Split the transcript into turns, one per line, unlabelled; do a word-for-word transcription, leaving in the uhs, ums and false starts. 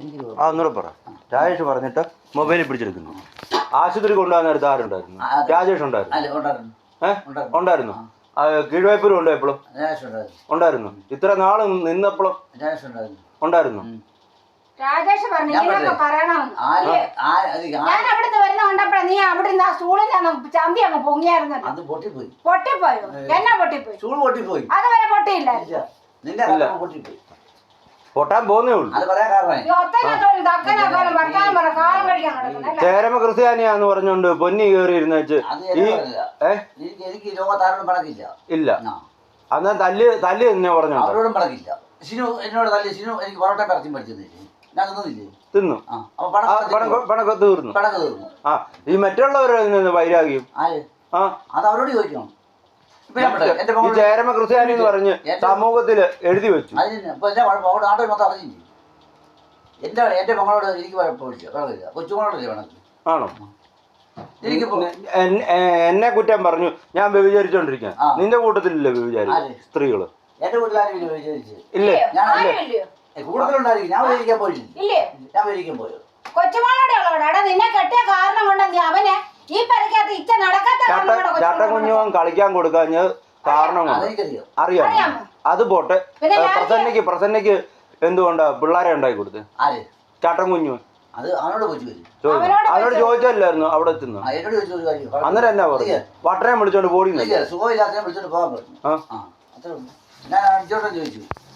ആ ഒന്നുകൂടെ പറ. രാജേഷ് പറഞ്ഞിട്ട് മൊബൈലിൽ പിടിച്ചെടുക്കുന്നു. ആശുപത്രി കൊണ്ടുപോകാൻ നേരത്തെ ആരുണ്ടായിരുന്നു? രാജേഷ് ഉണ്ടായിരുന്നു. ഏഹ് ഉണ്ടായിരുന്നു. കീഴ്വായ്പൂരും ഉണ്ടോ എപ്പോഴും? ഉണ്ടായിരുന്നു. ഇത്ര നാള് നിന്നപ്പോഴും ഉണ്ടായിരുന്നു.
രാജേഷ് പറഞ്ഞു ഇങ്ങനെയൊക്കെ പറയണമെന്ന്. ഞാൻ അവിടുന്ന് വരുന്ന കണ്ടപ്പോഴാ നീ അവിടുന്ന് ആ സ്റ്റൂളിൽ ചന്തി അങ്ങ് പൊങ്ങിയായിരുന്നു.
പൊട്ടിപ്പോയി.
പൊട്ടിപ്പോയോ? എന്നാ പൊട്ടിപ്പോയി?
സ്റ്റൂൾ പൊട്ടിപ്പോയി.
അതുവരെ പൊട്ടിയില്ല.
പൊട്ടിപ്പോയി.
പൊട്ടാൻ പോകുന്നേ ഉള്ളൂ. ചേരമ ക്രിസ്ത്യാനിയാന്ന് പറഞ്ഞോണ്ട് പൊന്നി കയറി ഇരുന്ന് വെച്ച്
എനിക്ക് ലോകത്താരോടും പണക്കില്ല.
ഇല്ല. അന്നാ തല്ല് തല്ല് തന്നെ പറഞ്ഞു.
അവരോടും പണക്കില്ല. ഷിനു എന്നോട് തല്ലി. ഷിനു എനിക്ക് പൊറോട്ട പറിച്ചും പഠിച്ചിരുന്നില്ലേ? ഞാൻ തിന്നില്ലേ?
തിന്നു. പണക്ക് തീർന്നു.
പണക്ക് തീർന്നു.
ആ ഈ മറ്റുള്ളവരുടെ വൈരാഗ്യം ആ
അത് അവരോട് ചോദിക്കണം.
ഈ ചേരമ ക്രിസ്ത്യാനി എന്ന് പറഞ്ഞ് സമൂഹത്തില് എഴുതി വെച്ചു.
നാട്ടിൽ മൊത്തം അറിഞ്ഞില്ലേ? എന്റെ എന്റെ മകളോട് എനിക്ക് കുഴപ്പമില്ല. കൊച്ചുമകളോടല്ലേ വേണമെങ്കിൽ.
ആണോ? എന്നെ കുറ്റം പറഞ്ഞു ഞാൻ വ്യഭിചരിച്ചോണ്ടിരിക്കാൻ. നിന്റെ കൂട്ടത്തിലില്ലേ വ്യഭിചാരി സ്ത്രീകള്?
എന്റെ വീട്ടിലാരും വ്യഭിചരിച്ചു
ഇല്ലേ?
കൂടുതലുണ്ടായിരിക്കും. ഞാൻ വ്യഭിചരിക്കാൻ പോയില്ലേ? ഞാൻ വ്യഭിചരിക്കാൻ പോയോ?
കൊച്ചുമകളോടെ ഉള്ളവടാ നിന്നെ കെട്ടിയ കാരണം കൊണ്ട് നീ അവനെ ഈ പരിക്കകത്ത് ഇച്ച നടക്കാത്ത
ചട്ടക്കുഞ്ഞുവാൻ കളിക്കാൻ കൊടുക്കാഞ്ഞ് കാരണം അറിയാം. അത് പോട്ടെ. പ്രസന്നയ്ക്ക് പ്രസന്നയ്ക്ക് എന്തുകൊണ്ടാ പിള്ളേരെ ഉണ്ടാക്കി കൊടുത്തത്? ചട്ടം കുഞ്ഞു അവനോട് ചോദിച്ചല്ലായിരുന്നു അവിടെ എത്തുന്നു. അന്നേരം എന്നാ പറഞ്ഞു? വട്ടനെ വിളിച്ചോണ്ട് പോടി
സുഖമില്ലാത്ത വിളിച്ചോണ്ട് പോകാൻ പറഞ്ഞു. ഞാൻ ചോദിച്ചു